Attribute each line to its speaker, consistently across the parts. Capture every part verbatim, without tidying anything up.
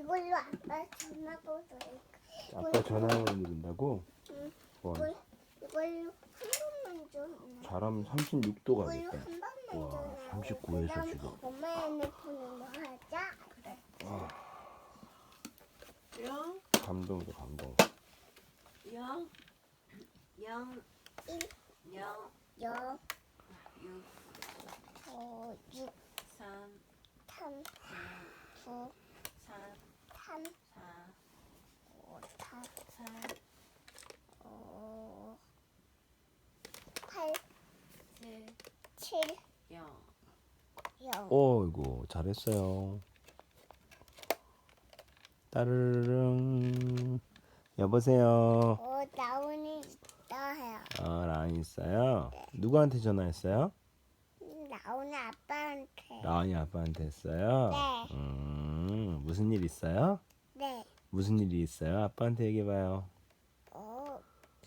Speaker 1: 이걸로 아빠 전화번호
Speaker 2: 아빠 전화번호 누른다고?
Speaker 1: 응.
Speaker 2: 와,
Speaker 1: 이걸, 이걸로 한 번만 줘.
Speaker 2: 잘하면 삼십육 도
Speaker 1: 이걸로
Speaker 2: 가겠다.
Speaker 1: 한 번만
Speaker 2: 와,
Speaker 1: 줘.
Speaker 2: 삼십구에서
Speaker 1: 그다음
Speaker 2: 지금.
Speaker 1: 엄마 핸드폰으로 하자. 그래.
Speaker 3: 영,
Speaker 2: 감동이다, 감동.
Speaker 3: 영, 영,
Speaker 1: 일,
Speaker 3: 영,
Speaker 1: 영,
Speaker 3: 육,
Speaker 1: 어, 육,
Speaker 3: 삼,
Speaker 1: 삼, 구,
Speaker 3: 삼,
Speaker 1: 삼,
Speaker 3: 사,
Speaker 1: 오, 사,
Speaker 3: 팔,
Speaker 1: 오, 팔,
Speaker 3: 칠,
Speaker 1: 칠,
Speaker 3: 영.
Speaker 1: 영.
Speaker 2: 어이구, 잘했어요. 따르릉. 여보세요.
Speaker 1: 어, 나온이 있다 해요.
Speaker 2: 아, 라인 있어요? 누구한테 전화했어요?
Speaker 1: 나온이 아빠한테.
Speaker 2: 라인이 아빠한테 했어요?
Speaker 1: 네.
Speaker 2: 음, 무슨 일 있어요?
Speaker 1: 네.
Speaker 2: 무슨 일이 있어요? 아빠한테 얘기해봐요.
Speaker 1: 어.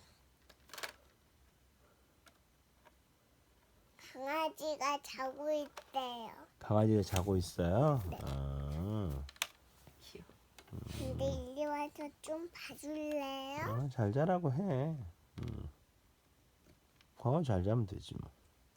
Speaker 1: 강아지가 자고 있대요.
Speaker 2: 강아지가 자고 있어요?
Speaker 1: 네.
Speaker 2: 아,
Speaker 3: 귀여워.
Speaker 1: 근데 이리 와서 좀 봐줄래요?
Speaker 2: 어, 잘 자라고 해. 음. 어, 잘 자면 되지 뭐.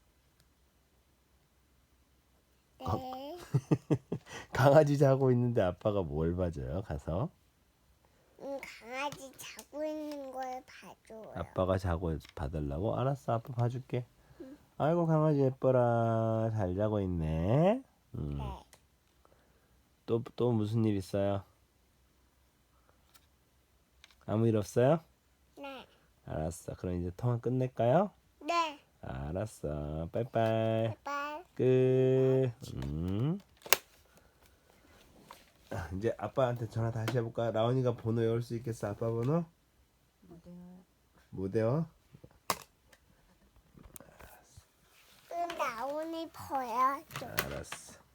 Speaker 1: 네.
Speaker 2: 강아지 자고 있는데 아빠가 뭘 봐줘요? 가서?
Speaker 1: 음, 강아지 자고 있는 걸 봐줘요.
Speaker 2: 아빠가 자고 봐달라고? 알았어, 아빠 봐줄게.
Speaker 1: 응.
Speaker 2: 아이고, 강아지 예뻐라. 잘 자고 있네. 음.
Speaker 1: 네.
Speaker 2: 또, 또 무슨 일 있어요? 아무 일 없어요?
Speaker 1: 네.
Speaker 2: 알았어. 그럼 이제 통화 끝낼까요?
Speaker 1: 네.
Speaker 2: 알았어. 빠이빠이.
Speaker 1: 바이바이.
Speaker 2: 끝. 음. 아, 이제 아빠한테 전화 다시 해볼까? 라온이가 번호 외울 수 있겠어? 아빠 번호?
Speaker 3: 못해요.
Speaker 2: 못 외워?
Speaker 1: 음, 나온이 보여줘.
Speaker 2: 알았어.